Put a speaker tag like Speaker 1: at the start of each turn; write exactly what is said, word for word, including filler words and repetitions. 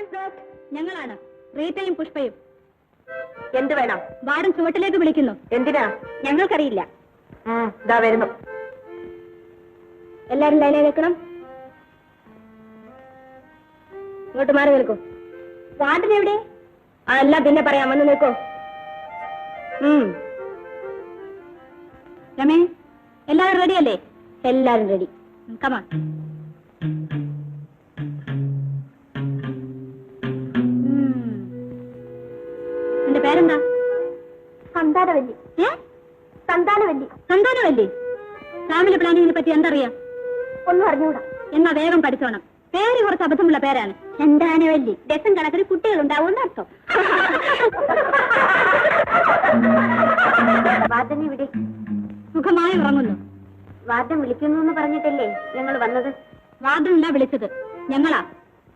Speaker 1: ഞങ്ങളാണ് റീത്തയും പുഷ്പയും.
Speaker 2: എന്ത് വേണം?
Speaker 1: വാർഡൻ ചുവട്ടിലേക്ക് വിളിക്കുന്നു.
Speaker 2: എന്തിനാ?
Speaker 1: ഞങ്ങൾക്കറിയില്ല.
Speaker 2: ഇതാ വരുന്നു.
Speaker 1: എല്ലാരും ലൈനിൽ നിൽക്കണം. ഇങ്ങോട്ട് മാറി നിൽക്കൂ. വാർഡൻ എവിടെ? അല്ല പിന്നെ പറയാം, വന്ന് നിൽക്കോ. രമേ, എല്ലാവരും റെഡിയല്ലേ? എല്ലാരും റെഡി. കമാൺ. എന്റെ പേരെന്താ?
Speaker 2: സന്താനവല്ലി.
Speaker 1: ഏ
Speaker 2: സന്താനവല്ലി.
Speaker 1: സന്താനവല്ലി. ഫാമിലി പ്ലാനിങ്ങിനെ പറ്റി എന്തറിയാം?
Speaker 2: ഒന്നും അറിഞ്ഞൂടാ.
Speaker 1: എന്നാ വേഗം പഠിച്ചോണം. പേര് കുറച്ച് അബദ്ധമുള്ള പേരാണ്. സന്താനവല്ലി. ഡസൻ കണക്കിന് കുട്ടികളുണ്ടാവും അർത്ഥം.
Speaker 2: വാർഡൻ ഇവിടെ
Speaker 1: സുഖമായി ഉറങ്ങുന്നു.
Speaker 2: വാർഡൻ വിളിക്കുന്നു എന്ന് പറഞ്ഞിട്ടല്ലേ ഞങ്ങൾ വന്നത്?
Speaker 1: വാർഡനല്ല വിളിച്ചത്, ഞങ്ങളാ.